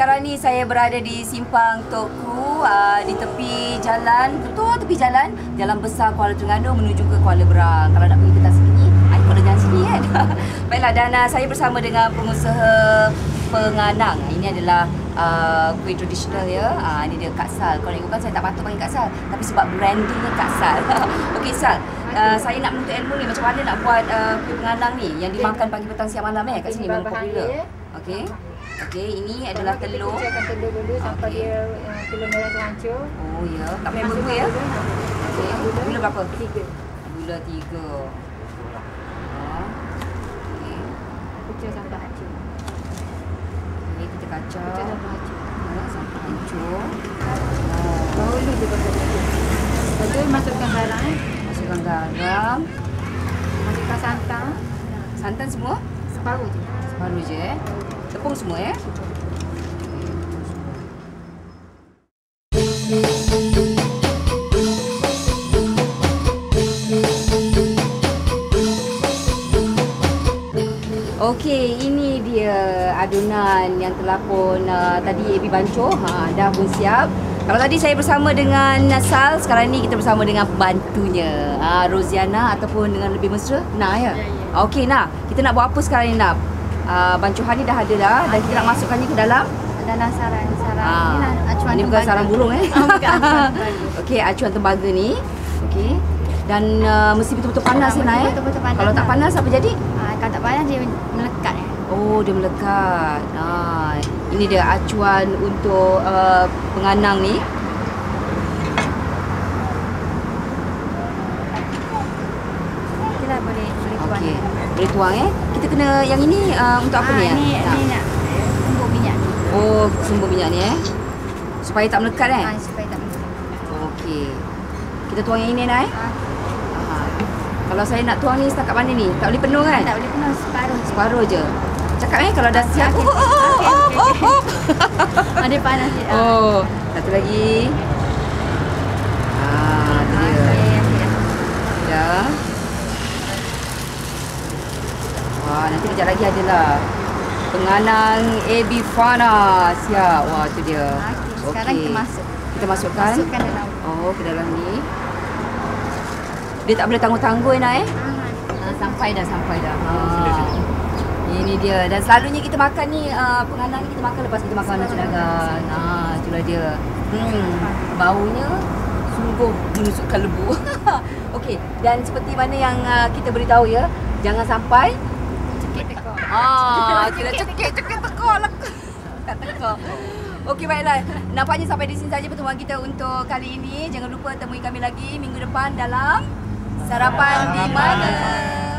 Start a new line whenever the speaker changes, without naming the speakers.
sekarang ni saya berada di Simpang Tok Kru, di tepi jalan, betul tepi jalan besar Kuala Terengganu menuju ke Kuala Berang. Kalau nak pergi ke tas sini, ikut jalan sini kan. Baiklah, dan saya bersama dengan pengusaha penganang. Ini adalah kuih tradisional ya. Ini dia Kak Sal. Kalau ikutkan saya tak patut panggil Kak Sal, tapi sebab brandingnya Kak Sal. Okey Sal, saya nak menuntut ilmu ni macam mana nak buat kuih penganang ni yang dimakan pagi petang siang malam kat sini memang popular. Okey. Okey, ini adalah telur.
Kita kucurkan telur dulu sampai dia telur merah tu hancur.
Oh ya, tak payah bumbu ya. Okey, gula berapa?
3.
Gula 3. Okey.
Kucur sampai hancur.
Okey, kita kacau.
Kucur sampai hancur.
Sampai hancur.
Baru ni dia pakai lagi. Lepas tu masukkan garam.
Masukkan garam.
Masukkan santan.
Santan semua?
Separuh je.
Separuh je Tepung semua ya. Okey, ini dia adunan yang telah pun tadi Ebi bancuh. Dah pun siap. Kalau tadi saya bersama dengan Sal, sekarang ni kita bersama dengan pembantunya, Roziana, ataupun dengan lebih mesra, Nah ya. Okey Nah, kita nak buat apa sekarang ni Nah? Bancuhan ni dah ada dah, dan kita nak masukkannya ke dalam
sarang.
Ini bukan sarang burung
Bukan.
Okey, acuan tembaga ni. Okey. Dan mesti betul-betul panas Nah
betul-betul panas.
Kalau tak panas apa jadi?
Kalau tak panas dia melekat.
Oh, dia melekat. Ini dia acuan untuk penganang ni.
Okeylah, boleh tuang.
Okey. Boleh tuang Kita kena yang ini untuk apa ni?
Ni nak tumbuk minyak ni.
Oh, sumber minyak ni supaya tak melekat
Supaya tak melekat.
Okey. Kita tuang yang ini Nah Kalau saya nak tuang ni setakat mana ni? Tak boleh penuh kan?
Tak boleh penuh, separuh.
Separuh je. Cakap kalau dah siap.
Ada panas je.
Oh, satu lagi. Tu dia. Dah. Wah, nanti kejap lagi adalah penganang Ebi Fana. Siap. Wah, tu dia.
Sekarang
kita masukkan
dalam.
Oh, ke dalam ni. Dia tak boleh tangguh-tangguh Sampai dah. Ini dia. Dan selalunya kita makan ni penganang ni kita makan lepas kita makan nasi dagang. Itulah dia. Baunya sungguh menusukkan lebu. Okey, dan seperti mana yang kita beritahu ya, jangan sampai
Cekik tekuk.
kira cekik tekuk lah. Tekuk. Okey, baiklah. Nampaknya sampai di sini saja pertemuan kita untuk kali ini. Jangan lupa temui kami lagi minggu depan dalam Sarapan di Mana.